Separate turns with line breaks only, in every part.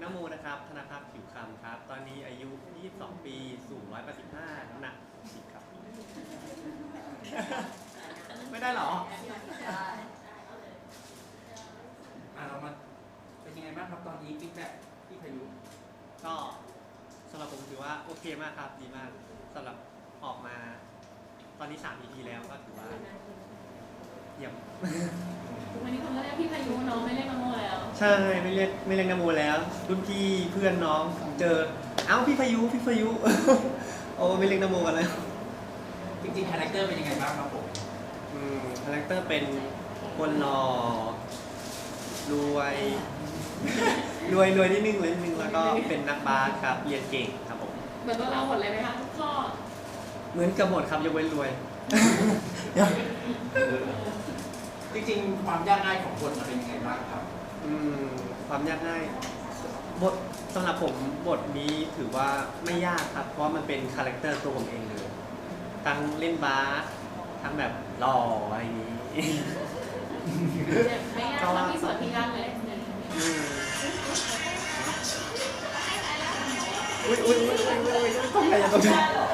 นโมนะครับธนภาพผิวคำครับตอนนี้อายุ 22 ปีสูง 185 น้ำหนัก10ครับ ไม่ได้หรอ
เรามาเป็นยังไงบ้างครับตอนนี้ฟีดแบ็กที่พายุ
ก็สำหรับผมถือว่าโอเคมากครับดีมากสำหรับออกมาตอนนี้3 EP แล้วก็ถือว่าเยี่ยม
วันนี้คนก็เรียกพี่พายุน้องไม่เรียกนโมแล้ว
ใช่ไม่เรียกนโมแล้วรุ่นพี่เพื่อนน้องเจอเอ้าพี่พายุ โอ้ไม่เรียกนโมกันแล้ว
จริงๆคาแรคเตอร์เป็นยังไงบ้างครับผม
คาแรคเตอร์เป็นคนหล่อรวยนิดนึงแล้วก็เป็นนักบาสครับเรียนเก่งครับผม
เหมือนตัวเราหมดเลยไหมคะทุกข้อ
เหมือนกับหมดครับยกเว้นรวย
จริงๆความยากง่ายของบทมันเป็นยังไงบ้างครับ
ความยากง่ายบทสำหรับผมบทนี้ถือว่าไม่ยากครับเพราะมันเป็นคาแรคเตอร์ตัวผมเองเลยทั้งเล่นบาสทั้งแบบหล่ออะไรอย่างนี้
ไม่ยากเรามีส่วนที่ยากเลย
ต้องอะไรต้อง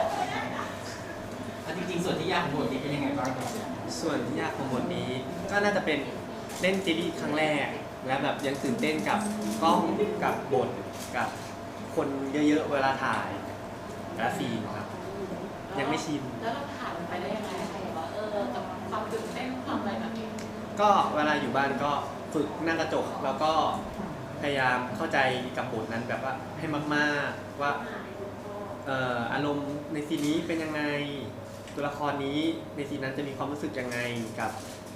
จริงๆส่วนที่ยากของบทนี้เป็นยังไงบ้างครับ
ส่วนที่ยากของบทนี้ก็น่าจะเป็นเล่นซีรีส์ครั้งแรกและแบบยังตื่นเต้นกับกล้องกับบทกับคนเยอะๆเวลาถ่ายและซีนครับยังไม่ชิน
แล้วเราผ่านไปได้ยังไงว่ากับความตื่นเต้นความอะไรแบบนี้
ก็เวลาอยู่บ้านก็ฝึกนั่งกระจกแล้วก็พยายามเข้าใจกับบทนั้นแบบว่าให้มากๆว่าอารมณ์ในซีนนี้เป็นยังไงตัวละครนี้ในซีนนั้นจะมีความรู้สึกยังไงกับ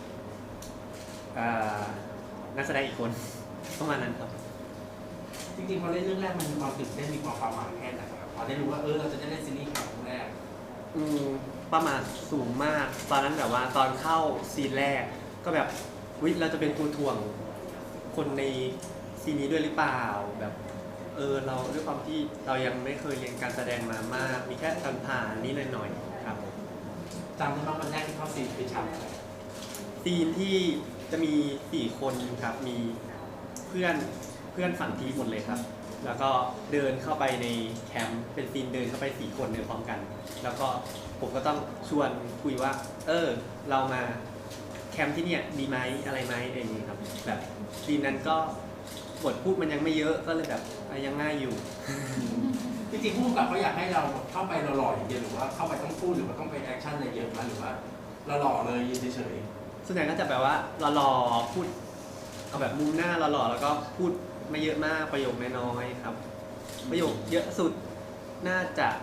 นักแสดงอีกคนประมาณนั้นครับ
จริงๆพอเล่นเรื่องแรกมันมีความตื่นเต้นมีความหมายแค่ไหนครับพอได้รู้ว่าเราจะได้เล่นซีรีส์ครั้งแรก
ประมาณสูงมากตอนนั้นแบบว่าตอนเข้าซีนแรกก็แบบเราจะเป็นตัวถ่วงคนในซีนนี้ด้วยหรือเปล่าแบบเราด้วยความที่เรายังไม่เคยเรียนการแสดงมามากมีแค่ผ่านนี้หน่อยๆครับ
จำได้ไหมวันแรกที่เข้าซีนเป็นฉาก
ซีนที่จะมี4 คนครับมีเพื่อนฝั่งทีหมดเลยครับแล้วก็เดินเข้าไปในแคมป์เป็นซีนเดินเข้าไป4 คนเดินพร้อมกันแล้วก็ผมก็ต้องชวนคุยว่าเรามาแคมป์ที่เนี่ยดีไหมอะไรไหมอะไรอย่างนี้ครับแบบซีนนั้นก็บทพูดมันยังไม่เยอะก็เลยแบบยังง่ายอยู่
จริงๆผู้กำกับเขาอยากให้เราเข้าไปหล่อๆอย่างเดียวหรือว่าเข้าไปต้องพูดหรือว่าต้องไปแอคชั่นอะไรเยอะไหมหรือว่าหล่อเลยยืนเฉย
ๆส่วนใหญ่ก็จะแบบว่าหล่อๆพูดเอาแบบมุมหน้าหล่อๆแล้วก็พูดไม่เยอะมากประโยคน้อยๆครับประโยคเยอะสุดน่า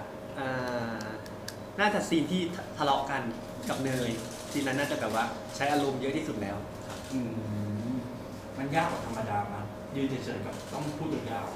จะซีนที่ทะเลาะกันกับเนยซีนนั้นน่าจะแบบว่าใช้อารมณ์เยอะที่สุดแล้ว
มันยากกว่าธรรมดามั้ยยืนเฉยๆกับต้องพูดยาว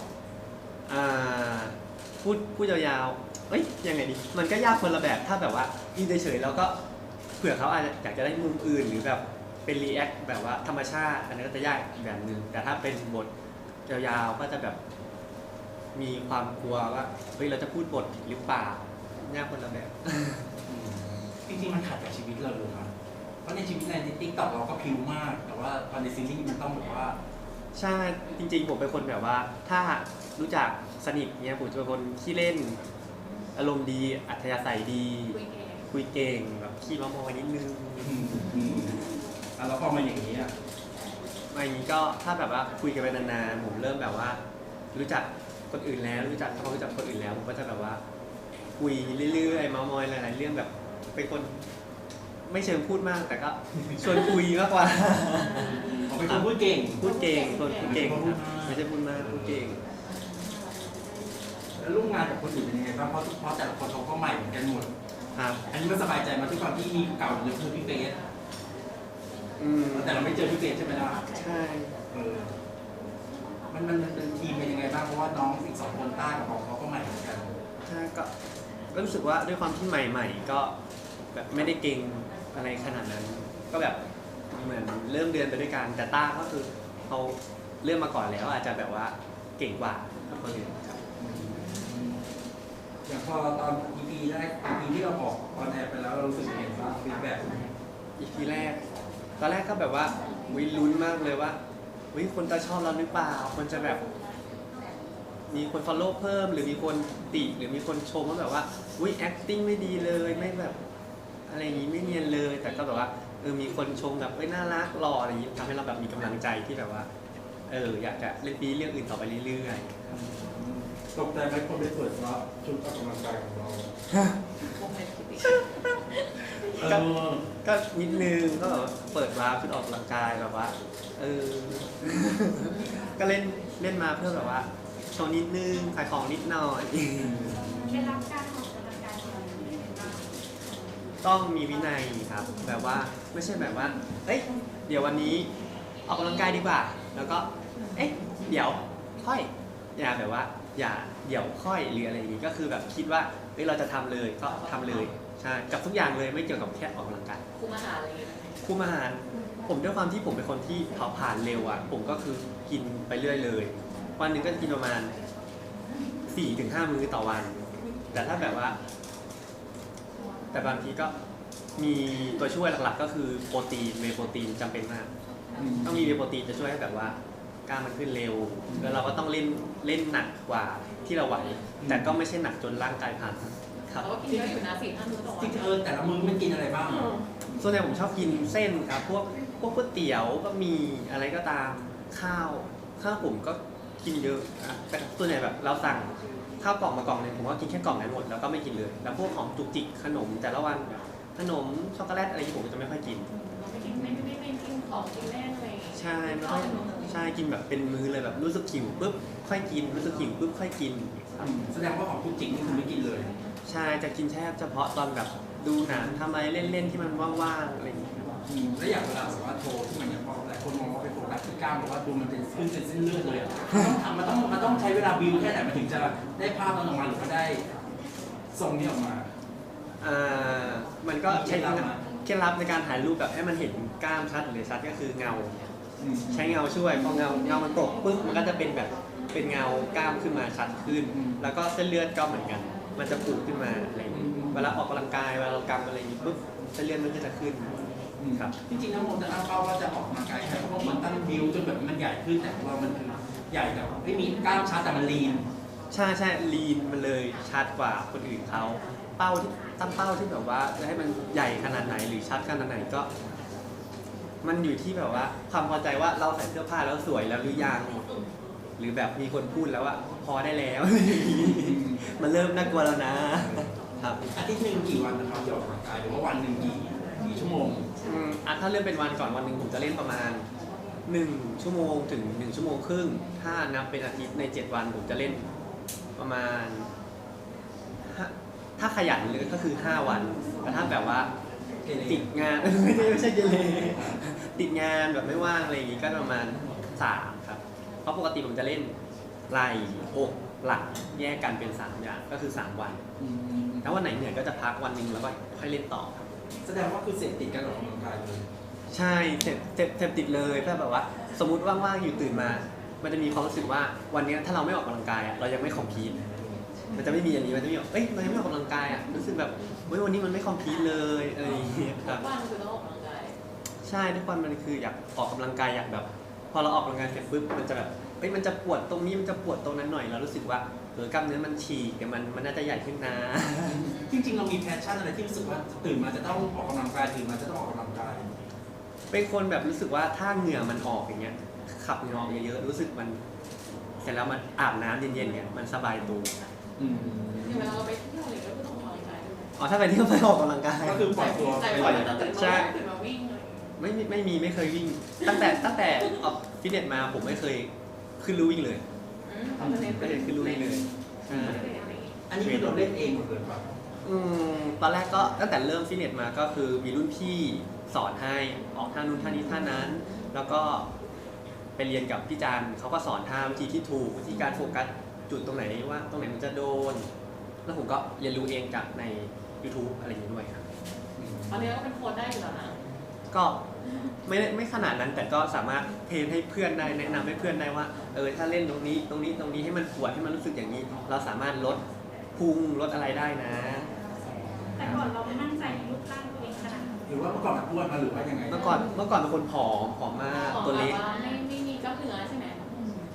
พูดยาวๆยังไงดีมันก็ยากคนละแบบถ้าแบบว่ายืนเฉยๆแล้วก็เผื่อเขาอาจจะอยากจะได้มุมอื่นหรือแบบเป็นรีแอคแบบว่าธรรมชาติอันนั้นก็จะยากอีกแบบนึงแต่ถ้าเป็นบทยาวๆก็จะแบบมีความกลัวว่าเราจะพูดบทผิดหรือเปล่ายากคนละแบบ
จริงๆมันขัดกับชีวิตเราเลยครับเพราะในชีวิตในติ๊กต็อกเราก็พิวมากแต่ว่าตอนในซีรีส์มันต้องแบบว่า
ใช่จริงๆผมเป็นคนแบบว่าถ้ารู้จักสนิทเนี่ยผมจะเป็นคนขี้เล่นอารมณ์ดีอัธยาศัยดีคุยเก่งแบบขี้มอยนิดนึง
แล้วพอมาอย่างนี้
มาอย่างนี้ก็ถ้าแบบว่าคุยกันไปนานๆผมเริ่มแบบว่ารู้จักคนอื่นแล้วรู้จักเขารู้จักคนอื่นแล้วผมก็จะแบบว่าคุยเรื่อยๆเมามอยหลายๆเรื่องแบบเป็นคนไม่เชิงพูดมากแต่ก็ชวนคุยมากกว่า
เป็นคนพูดเก่ง
คนพูดเก่งไม่ใช่พูดมากพูดเก่ง
แล้วร่วมงานกับคนอื่นเป็นยังไงบ้างเพราะแต่ละคนเขาก็ใหม่เหมือนกันหมด
ครับ
อันนี้มันสบายใจมาทุกความที่มีเก่าหรือคือพี่เฟสแต่เราไม่เจอพี่เฟสใช่ไหมล่ะ
ใช่
มันเป็นทีมเป็นยังไงบ้างเพราะว่าน้องอีก2 คนต้ากับเขาก็ใหม่เหมือนกัน
ใช่ก็รู้สึกว่าด้วยความที่ใหม่ๆก็แบบไม่ได้เก่งอะไรขนาดนั้นก็แบบเหมือนเริ่มเดือนไปด้วยกันแต่ต้าก็คือเขาเริ่มมาก่อนแล้วอาจจะแบบว่าเก่งกว่าคนอื่นครับ
อย่างพอตอน EP แรก EP ที่เราออกออนแอร์ไปแล้วเรารู้สึกยังไงบ้างฟีดแบ็ก
EP แรกตอนแรกก็แบบว่าลุ้นมากเลยว่าคนจะชอบเราหรือเปล่าคนจะแบบมีคน follow เพิ่มหรือมีคนติหรือมีคนชมว่าแบบว่าอุ้ย acting ไม่ดีเลยไม่แบบอะไรอย่างนี้ไม่เนียนเลย แต่ก็แบบว่ามีคนชมแบบเอ้ยน่ารักหล่ออะไรอย่างนี้ทำให้เราแบบมีกำลังใจที่แบบว่าอยากจะเล่นเรื่องอื่นต่อไปเรื่อยๆ
ตกใจไหมคนไปเปิดว่าชุดออกกำลังกายของเรา
วงเล็บคิดดิ
ก็นิดนึงก็แบบเปิดวาร์ปชุดออกกำลังกายแบบว่าก็เล่นมาเพื่อแบบว่าโชว์นิดนึงขายของนิดหน่อย
เคล็ดลับการออกกำลังกายของเราเป็นยังไงบ้าง
ต้องมีวินัยครับแบบว่าไม่ใช่แบบว่าเอ้ยเดี๋ยววันนี้ออกกำลังกายดีกว่า แล้วก็เดี๋ยวค่อยอย่าแบบว่าอย่าเดี๋ยวค่อยหรืออะไรอย่างนี้ก็คือแบบคิดว่าเฮ้ยเราจะทำเลยก็ทำเลยใช่กับทุกอย่างเลยไม่เกี่ยวกับแค่ออกกำลังกาย
คุมอาหารอะไรอย่างเงี้ย
คุมอาหารผมด้วยความที่ผมเป็นคนที่เผาผลาญเร็วอ่ะผมก็คือกินไปเรื่อยเลยวันหนึ่งก็จะกินประมาณ 4-5 มื้อต่อวัน แต่ถ้าแบบว่าแต่บางทีก็มีตัวช่วยหลักๆก็คือโปรตีนเวย์โปรตีนจำเป็นมากต้องมีเวย์โปรตีนจะช่วยให้แบบว่ากล้ามมันขึ้นเร็วแล้วเราก็ต้องเล่นหนักกว่าที่เราไหวแต่ก็ไม่ใช่หนักจนร่างกายพังครับ
เราก็กินเยอะอยู่นะ4-5 มื้อต่อวั
จริ
น
งๆแต่ละมื้อมันกินอะไรบ้าง
ส่วนใหญ่ผมชอบกินเส้นครับพวกก๋วยเตี๋ยวก็มีอะไรก็ตามข้าวผมก็กินเยอะแต่ส่วนใหญ่แบบเราสั่งข้าวกล่องมากล่องนึงผมก็กินแค่กล่องนั้นหมดแล้วก็ไม่กินเลยแล้วพวกของจุกจิกขนมแต่ละวันขนมช็อกโกแลตอะไรที่ผมก็จะไม่ค่อยกิน
เราไม่กินไม่กินของกินเล่นอะไรอย่างเงี้ย
ใช่ไม่ค่อยใช่กินแบบเป็นมื้อเลยแบบรู้สึกหิวปุ๊บค่อยกินรู้สึกหิวปุ๊บค่อยกินครับ
แสดงว่าของคุณจริงนี่คือไม่กินเลย
ใช่จะกินแค่เฉพาะตอนแบบดูหนังทำอะไรเล่นๆที่มันว่างๆอะไรอย่างเงี้ย
แล้วอย่างเวลาแบบว่าโชว์ที่มันเนี่ยพอหลายคนมองว่าเป็นโฟกัสที่กล้ามบอกว่าดูมันเป็นขึ้นเป็นเส้นเลือดเลยอ่ะมันต้องใช้เวลาบิวแค่ไหนมันถึงจะได้ภาพนั้นออกมาหรือว่าได้ทรงนี้ออกมา
มันก็ใช้
เคล็ดลับนะ
เคล็ดลับในการถ่ายรูปแบบให้มันเห็นกล้ามชัดหรือชัดก็คือเงา ใช้เงาช่วยพอเงามันตกปุ๊บมันก็จะเป็นแบบเป็นเงากล้ามขึ้นมาชัดขึ้น แล้วก็เส้นเลือดก็เหมือนกัน มันจะปูดขึ้นมาอะไรอย่างนี้เวลาออกกำลังกายเวลาเรากำอะไรอย่างนี้ปุ๊บเส้นเลือดมันก็จะขึ้นครับ
จริงๆน้ำมนต์จะตั้งเป้าว่าจะออกกำลังกายแค่เพราะว่ามันตั้งบิวจนแบบมันใหญ่ขึ้นแต่ของเรามันคือใหญ่แบบไม่มีกล้ามชัดแต่มันลีน
ใช่ลีนมันเลยชัดกว่าคนอื่นเขาตั้งเป้าที่แบบว่าจะให้มันใหญ่ขนาดไหนหรือชัดขนาดไหนก็ มันอยู่ที่แบบว่าความพอใจว่าเราใส่เสื้อผ้าแล้วสวยแล้วหรือยังหรือแบบมีคนพูดแล้วว่าพอได้แล้ว มันเริ่มน่ากลัวแล้วนะครับ
อาทิตย์หนึ่งกี่วันนะครับที่ออกกำลังกายหรือว่าวันหนึ่งกี่ชั่วโมง
ถ้าเริ่มเป็นวันก่อนวันหนึ่งผมจะเล่นประมาณ1 ชั่วโมงถึง1 ชั่วโมงครึ่งถ้านับเป็นอาทิตย์ใน7 วันผมจะเล่นประมาณถ้าขยันเลยก็คือ5 วันแต่ถ้าแบบว่าติดงาน ไม่ใช่เกเรติดงานแบบไม่ว่างอะไรอย่างงี้ก็ประมาณ3ครับเพราะปกติผมจะเล่นไหล่อกหลังแยกกันเป็น3อย่างก็คือ3 วันถ้าวันไหนเหนื่อยก็จะพักวันหนึ่งแล้วก็ค่อยเล่นต่อครับ
แสดงว่าคือเสพติดการออกกำลังกายเลย
ใช่เสพติดเลยถ้าแบบว่าสมมุติว่างๆอยู่ตื่นมา มันจะมีความรู้สึกว่าวันนี้ถ้าเราไม่ออกกำลังกายอะเรายังไม่คอมพลีทมันจะไม่มีอย่างนี้มันจะมีแบบเรายังไม่ออกกำลังกายอะรู้สึกแบบวันนี้มันไม่คอมพลีทเลยอะไรอย่างเงี้ยค
ทุ
รับ
กวันคือต้องออกกำลังกาย
ใช่ทุกวันมันคืออยากออกกำลังกายอยากแบบ พอเราออกกำลังกายเสร็จปุ๊บมันจะแบบมันจะปวดตรงนี้มันจะปวดตรงนั้นหน่อยเรารู้สึกว่ากล้ามเนื้อมันฉีกเดี๋ยวมันน่าจะใหญ่ขึ้นนะ
จริงๆเรามีแพชชั่นอะไรที่รู้สึกว่าตื่นมาจะต้องออกกำลังกายตื่นมาจะต้องออกกำลังกาย
เป็นคนแบบรู้สึกว่าถ้าเหงื่อมันออกอย่างเงี้ยขับเหงื่อออกเยอะๆรู้สึกมันเสร็จแล้วมันอาบน้ำเย็นๆเนี่ยมันสบายตัว
อย่างเวลาเราไปเที่ยวอะไรก็ต้องออกกำลังกายด้วย
อ๋อถ้าไปเที่ยวไปออกกำลังกาย
ก็คือปล่อยตัว
ใจ
ไป
ปล่อย
เลย
ตั้งแต่
ใช่
ตื่นมาวิ่งเลย
ไม่เคยวิ่ง ตั้งแต่ออกฟิตเนสมาผมไม่เคยขึ้นลู่วิ่งเลย ไม่เคยขึ้นลู่วิ่งเลยใช่
อันนี้คือเราเล่นเองหมดเลยป่ะ
ตอนแรกก็ตั้งแต่เริ่มฟิตเนสมาก็คือมีรุ่นพี่สอนให้ออกท่านู้นท่านี้ท่านั้น แล้วก็ไปเรียนกับพี่จันเขาก็สอนท่าวิธีที่ถูกวิธีการโฟกัสจุดตรงไหนว่าตรงไหนมันจะโดน แล้วผมก็เรียนรู้เองจากใน YouTube อะไรอย่างนี้ด้วยครับ
ตอนนี้ก็เป็นโค้ชได้อยู่แล้วนะ
ก็ไม่ขนาดนั้นแต่ก็สามารถเทรนให้เพื่อนได้แนะนำให้เพื่อนได้ว่าถ้าเล่นตรงนี้ให้มันปวดให้มันรู้สึกอย่างนี้ เราสามารถลดพุงลดอะไรได้นะ
แต่ก่อนเราไม่มั่นใจในรูปร่างตัวเองขนาดนั้น
หรือว่าเมื่อก่อนมันอ้วนมาหรือว่ายังไง
เมื่อก่อนเป็นคนผอมมากตัวเล็ก
ไม่มีกล้ามเนื้อใช่ไหม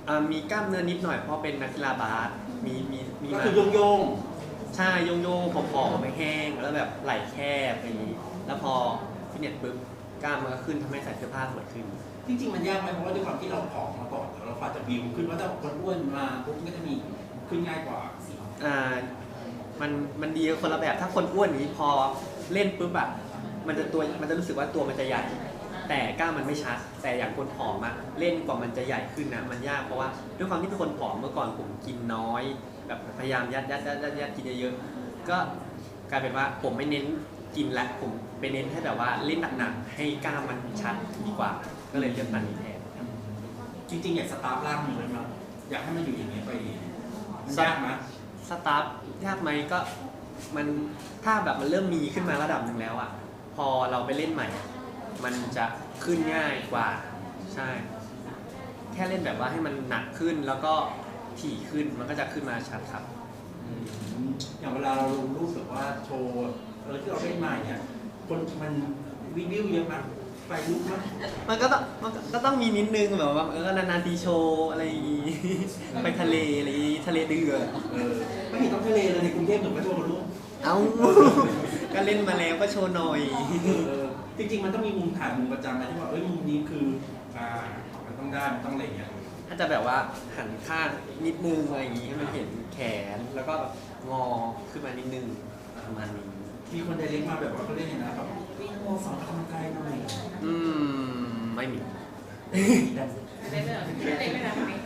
มีกล้ามเนื้อนิดหน่อยเพราะเป็นนักกีฬาบาสมี
ก็
มา
คือโยง
ใช่โยงโยผอมๆไม่แห้งแล้วแบบไหล่แคบอะไรอย่างนี้ แล้วพอฟิตเนสปุ๊บกล้ามมันก็ขึ้นทำให้ใส่เสื้อผ้าสวยขึ้น
ๆจริงๆมันยากไหมเพราะว่าด้วยความที่เราผอมมาก่อนเราควาจะบิวขึ้นว่าถ้าคนอ้วนมาปุ๊บมันก็จะมีขึ้นง่ายกว่า
อ่ามันดีคนละแบบถ้าคนอ้วนอย่างนี้พอเล่นปุ๊บอะมันจะรู้สึกว่าตัวมันจะใหญ่ แต่กล้ามมันไม่ชัด แต่อย่างคนผอมอะเล่นกว่ามันจะใหญ่ขึ้นนะมันยากเพราะว่าด้วยความที่เป็นคนผอมเมื่อก่อนผมกินน้อยแบบพยายามยัดกินเยอะๆก็กลายเป็นว่าผมไม่เน้นกินละผมไปเน้นให้แบบว่าเล่นหนักๆให้กล้ามมันชัดดีกว่า ก็เลยเลือกมันนี้แทน
จริงๆอยากสตาร์ทร่างมันเลยมั้ยอยากให้มันอยู่อย่างนี้ไปมันยากไหม
สตาร์ทยากไหมก็มันถ้าแบบมันเริ่มมีขึ้นมาระดับหนึ่งแล้วอะพอเราไปเล่นใหม่ มันจะขึ้นง่ายกว่าใช่ แค่เล่นแบบว่าให้มันหนักขึ้นแล้วก็ถี่ขึ้นมันก็จะขึ้นมาชัดครับ
อย่างเวลาเราลงรูปแบบว่าโชว์ที่เราเล่นมาเนี่ยคนมันวิวเยอะมากไฟลุกมาก
มันก็ต้องมีนิดนึงแบบว่านานๆทีโชว์อะไรอย่างงี้ ไปทะเลอะไรอย่างงี้ทะเลเดือด
ไม่เห็นต้องทะเลเลยในกรุงเทพหรือไม่ทั่วโลก
เอ้า ก็เล่นมาแล้วก็โชว์หน่อย
จริงๆมันต้องมีมุมถ่ายมุมประจำไหมที่ว่ามุมนี้คือมันต้องได้มันต้องอะไรอย่างเงี้ย
ถ้าจะแบบว่าหันข้างนิดนึงอะไรอย่างงี้ให้มันเห็นแขนแล้วก็แบบงอขึ้นมานิดนึงประมาณนี้
มีคนไดเรกมาแบบว่าเขาเรียกไงนะแบบวิ่งโมสอนกำลังกายหน่อย
ไม่มี
ไม่ได้ไม่ได้ไม่ได้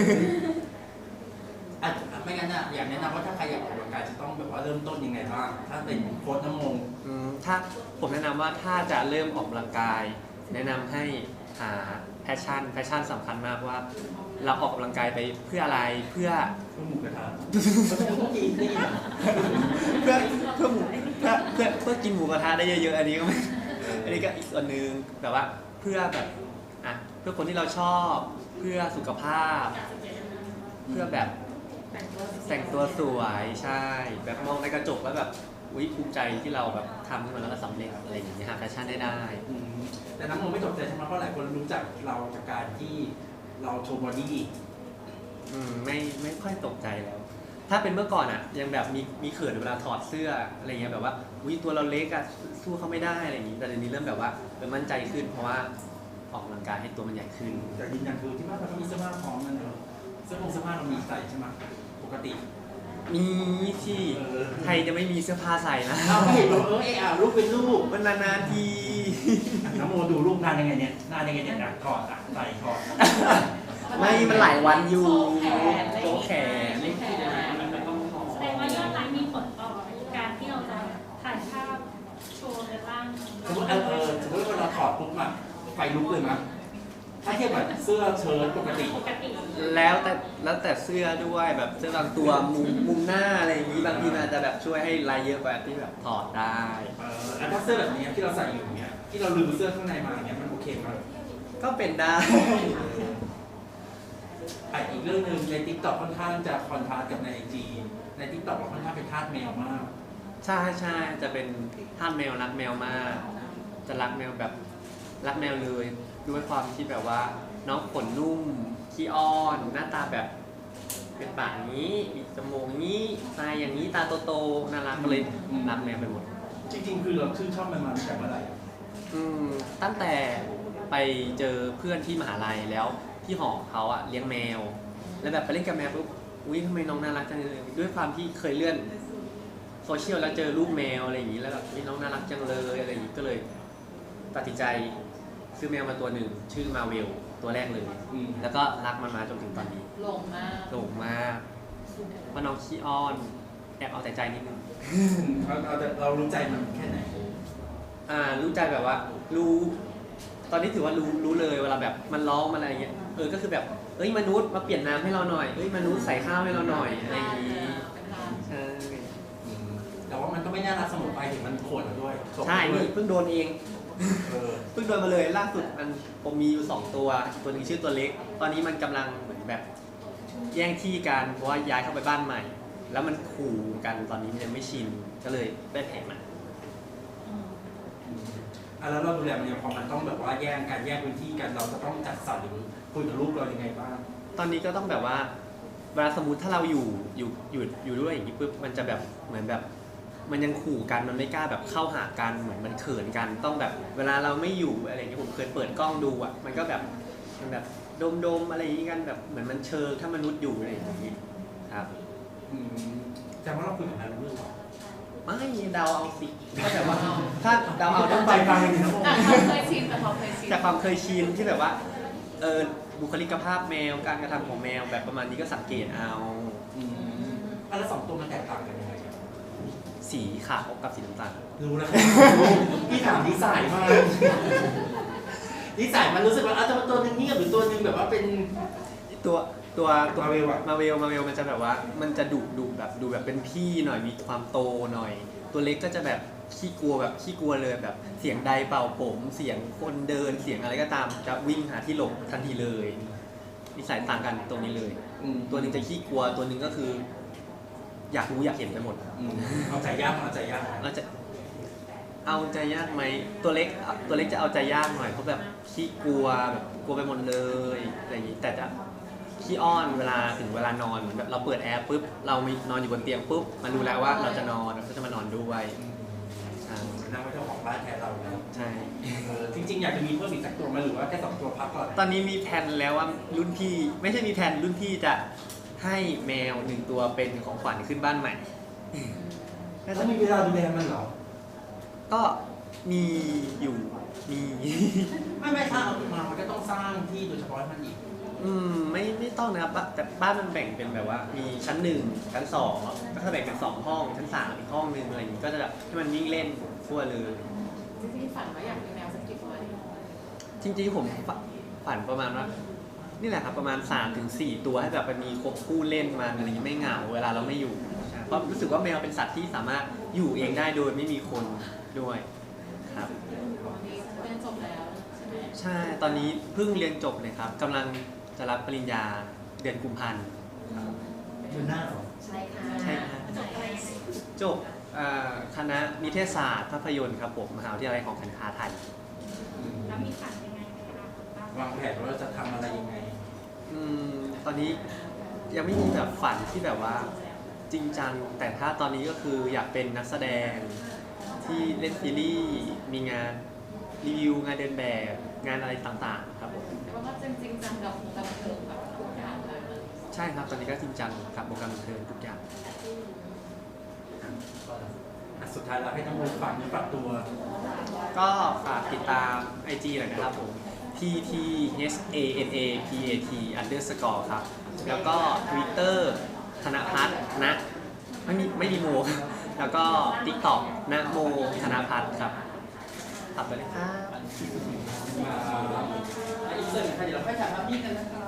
ไม่งั้นอยากแนะนำว่าถ้าใครอยากออกกำลังกายจะต้องแบบว่าเริ่มต้นยังไงบ้างถ้าเป็นโค้ชน้ำมง
ถ้าผมแนะนำว่าถ้าจะเริ่มออกกำลังกาย แนะนำให้หาแพชชั่นสำคัญมากว่า เราออกกำลังกายไปเพื่ออะไรเพื่อ
หมูกระทะต้องกินได้ยิน
เพื่อกินหมูกระทะได้เยอะๆอันนี้ก็ไม่อันนี้ก็อีกส่วนหนึ่งแต่ว่าเพื่อแบบเพื่อคนที่เราชอบเพื่อสุขภาพ เพื่อแบบแต่งตัวสวยใช่ แบบมองในกระจกแล้วแบบภูมิใจที่เราแบบทำขึ้นมาแล้วก็สำเร็จอะไรอย่างเงี้ยหาแพชชั่นได้
แต่น้ำมงไม่ตกใจใช่ไหมเพราะหลายคนรู้จักเราจากการที่เราโชว์บอดี้
ไม่ค่อยตกใจแล้ว ถ้าเป็นเมื่อก่อนยังแบบมีเขินเวลาถอดเสื้ออะไรเงี้ยแบบว่าตัวเราเล็กสู้เขาไม่ได้อะไรอย่างงี้แต่เดี๋ยวนี้เริ่มแบบว่ามั่นใจขึ้นเพราะว่าออกกำลังกายให้ตัวมันใหญ่ขึ้น
แต่ยืนยันคือที่บ้านเราก็มีเสื้อผ้าพร้อมกันเนอะเสื้อผ้าเรามีใส่ใช่ไหมปกติ
มีที่ใครจะไม่มีเสื้อผ้าใส่นะ
เราเห็นเรารูปเป็นรูป
มันนานๆที
น้ำโมดูรูปนานยังไงเนี่ยถอดใส่ถอด
ไม่มันหลายวันอยู่
โตแขน
แสดงว่ายอดไลค์มีผลต่อการที่เราจะถ่ายภาพโชว์ในร่าง
สมมติสมมติว่าเราถอดปุ๊บไฟลุกเลยมั้ยถ้าเทียบกับเสื้อเชิ้ตปกติ
แล้วแต่เสื้อด้วยแบบเสื้อบางตัวมุมหน้าอะไรอย่างนี้บางทีมันอาจจะแบบช่วยให้ลายเยอะกว่าที่แบบถอดได้
แล้วถ้าเสื้อแบบนี้ที่เราใส่อยู่เนี่ยที่เราลืมเสื้อข้างในมาเนี่ยมันโอเคไหม
ก็เป็นได้
อีกเรื่องหนึ่งใน TikTok ค่อนข้างจะคอนทราสต์กับใน IG ใน TikTok เราค่อนข้างเป็นทาสแมวมาก
ใช่จะเป็นท่านแมวรักแมวมาก จะรักแมวแบบรักแมวเลยด้วยความที่แบบว่าน้องขนนุ่มขี้อ้อนหน้าตาแบบเป็นปากนี้มีจมูกนี้ตาอย่างนี้ตาโตๆน่ารักก็เลยรักแมวไปหมด
จริงๆคือเราชื่นชอบมันมาตั้งแต่เมื่อไหร่
ตั้งแต่ไปเจอเพื่อนที่มหาลัยแล้วที่หอเขาเลี้ยงแมว แล้วแบบไปเล่นกับแมวปุ๊บทำไมน้องน่ารักจังเลยด้วยความที่เคยเลื่อนโซเชียลแล้วเจอรูปแมวอะไรอย่างนี้แล้วแบบน้องน่ารักจังเลยอะไรอย่างนี้ก็เลยตัดสินใจซื้อแมวมาตัวหนึ่งชื่อมาเวลตัวแรกเลยแล้วก็รักมันมาจนถึงตอนนี้
หลงมาก
หลงมากว่าน้องขี้อ้อนแอบเอาแต่ใจนิดนึง
เรารู้ใจมันแค่ไหน
รู้ใจแบบว่ารู้ตอนนี้ถือว่ารู้เลยเวลาแบบมันร้องมันอะไรเงี้ยก็คือแบบมนุษย์มาเปลี่ยนน้ำให้เราหน่อยมนุษย์ใส่ข้าวให้เราหน่อยอะไรอย่างนี้ใช่
แต่ว่ามันก็ไม่น่ารักเสมอไปถึงมันข่วนเราด้วย
ใช่นี่เพิ่งโดนเองเพิ่งโดนมาเลยล่าสุดผมมีอยู่2ตัวตัวนึงชื่อตัวเล็กตอนนี้มันกำลังเหมือนแบบแย่งที่กันเพราะว่าย้ายเข้าไปบ้านใหม่ แล้วมันขู่กันตอนนี้มันยังไม่ชินก็เลยได้แผลมา
แล้วเราดูแลมันยังพอมันต้องแบบว่าแย่งพื้นที่กันเราจะต้องจัดสรรหรือคุยกับลูกเรายังไงบ้าง
ตอนนี้ก็ต้องแบบว่าเวลาสมมติถ้าเราอยู่ด้วยอย่างนี้ปุ๊บมันจะแบบเหมือนแบบมันยังขู่กันมันไม่กล้าแบบเข้าหากันเหมือนมันเขินกันต้องแบบเวลาเราไม่อยู่อะไรอย่างเงี้ยผมเคยเปิดกล้องดูอ่ะมันก็แบบมันแบบโดมอะไรอย่างงี้กันแบบเหมือนมันเชิงถ้ามนุษย์อยู่อะไรอย่างงี้ครับ
แต่ว่าเราคุยกับใครรู้เรื่องหรอ
ไม่เดาเอาสิก็แบบว่าถ้าเดาเอาด้วย
ใจฟังเลยนะ
แต่เขาเคยชินแต่เขาเคยชิน
จากความเคยชินที่แบบว่าบุคลิกภาพแมวการกระทำของแมวแบบประมาณนี้ก็สังเกตเอา
แล้วสองตัวมันแตกต่างกันยังไง
สีขาวกับสีน้ำตาล
รู้แล้วพี่ถามนิสัยมากนิสัยมันรู้สึกว่าจะมาตัวนึงเงียบหรือตัวนึงแบบว่าเป็น
ตัว
มาเวลอะ
มาเวลมันจะแบบว่ามันจะดุแบบดูแบบเป็นพี่หน่อยมีความโตหน่อย ตัวเล็กก็จะแบบขี้กลัวเลยแบบเสียงใดเป่าผมเสียงคนเดินเสียงอะไรก็ตามจะวิ่งหาที่หลบทันทีเลยนิสัยต่างกันตรงนี้เลย ตัวหนึงจะขี้กลัวตัวหนึงก็คือ อยากรู้อยากเห็นไปหมด
เอาใจยาก
เราจะเอาใจยากไหมตัวเล็กจะเอาใจยากหน่อยเพราะแบบขี้กลัวแบบกลัวไปหมดเลยอะไรอย่างนี้แต่จะขี้อ้อนเวลาถึงเวลานอนเหมือนแบบเราเปิดแอร์ปุ๊บเรามีนอนอยู่บนเตียงปุ๊บมันรู้แล้วว่าเราจะนอนเราก็จะมานอนด้วยใช่
นั่งไว้เจ้าของบ้านแทนเราแล้ว
ใช่
จริงๆอยากจะมีเพิ่มอีกสักตัวไหมหรือว่าแค่สองตัวพักก่อน
ตอนนี้มีแผนแล้วว่ารุ่นพี่ไม่ใช่มีแผนรุ่นพี่จะให้แมว1 ตัวเป็นของขวัญขึ้นบ้านใหม่
แล้วมีเวลาดูแลมันเหรอ
ก็มีอยู่มี
ไม่ถ้าเอามามันก็ต้องสร้างที่โดยเฉพาะให้มันอีก
ไม่ต้องนะครับแต่บ้านมันแบ่งเป็นแบบว่ามีชั้น1ชั้น2ก็จะแบ่งเป็น2 ห้องชั้น3อีกห้องนึงอะไรอย่างนี้ก็จะแบบให้มันวิ่งเล่นทั่วเลย
จริงๆฝันว่าอยากมีแมวสักกี่ตัวดี
จริงๆผมฝันประมาณว่านี่แหละครับประมาณ 3-4 ตัวให้แบบมันมีครบคู่เล่นมันอะไรอย่างนี้ไม่เหงาเวลาเราไม่อยู่เพราะรู้สึกว่าแมวเป็นสัตว์ที่สามารถอยู่เองได้โดยไม่มีคนด้วยครับ
วันนี้เรียนจบแล้วใช่ไหม
ใช่ตอนนี้เพิ่งเรียนจบเลยครับกำลังจะรับปริญญาเดือนกุมภาพันธ์
เดือนหน้าเหรอ
ใช่ค่ะ
ใช่ครับ
จบอะไรยังไง
จบคณะนิเทศศาสตร์ภาพยนตร์ครับผมมหาวิทยาลัยของการค้าไทย
แล้วมีฝันยังไงในอนาคตบ้าง
วางแผนว่าจะทำอะไรยังไง
ตอนนี้ยังไม่มีแบบฝันที่แบบว่าจริงจังแต่ถ้าตอนนี้ก็คืออยากเป็นนักแสดงที่เล่นซีรีส์มีงานรีวิวงานเดินแบบงานอะไรต่างๆครับผม
แต่ว่าจริงๆจังกับวงการบันเทิงแบบทุกอย่างเลย
ใช่ครับตอนนี้ก็จริงจังกับวงการบันเทิงทุกอย่าง
สุดท้ายแล้วให้ทั้งวงฝากเนื้อฝากตัว
ก็ฝากติดตาม IG หน่อยนะครับผม TTHANAPAT_ ครับ แล้วก็ Twitter ธนพัฒน์นะไม่มีโมครับแล้วก็ TikTok นะโมธนพัฒน์ครับฝากไปเลยครับ
มาอีกเรื่องนึงค่ะเดี๋ยวเราค่อยถ่ายภาพนิ่งกันนะคะ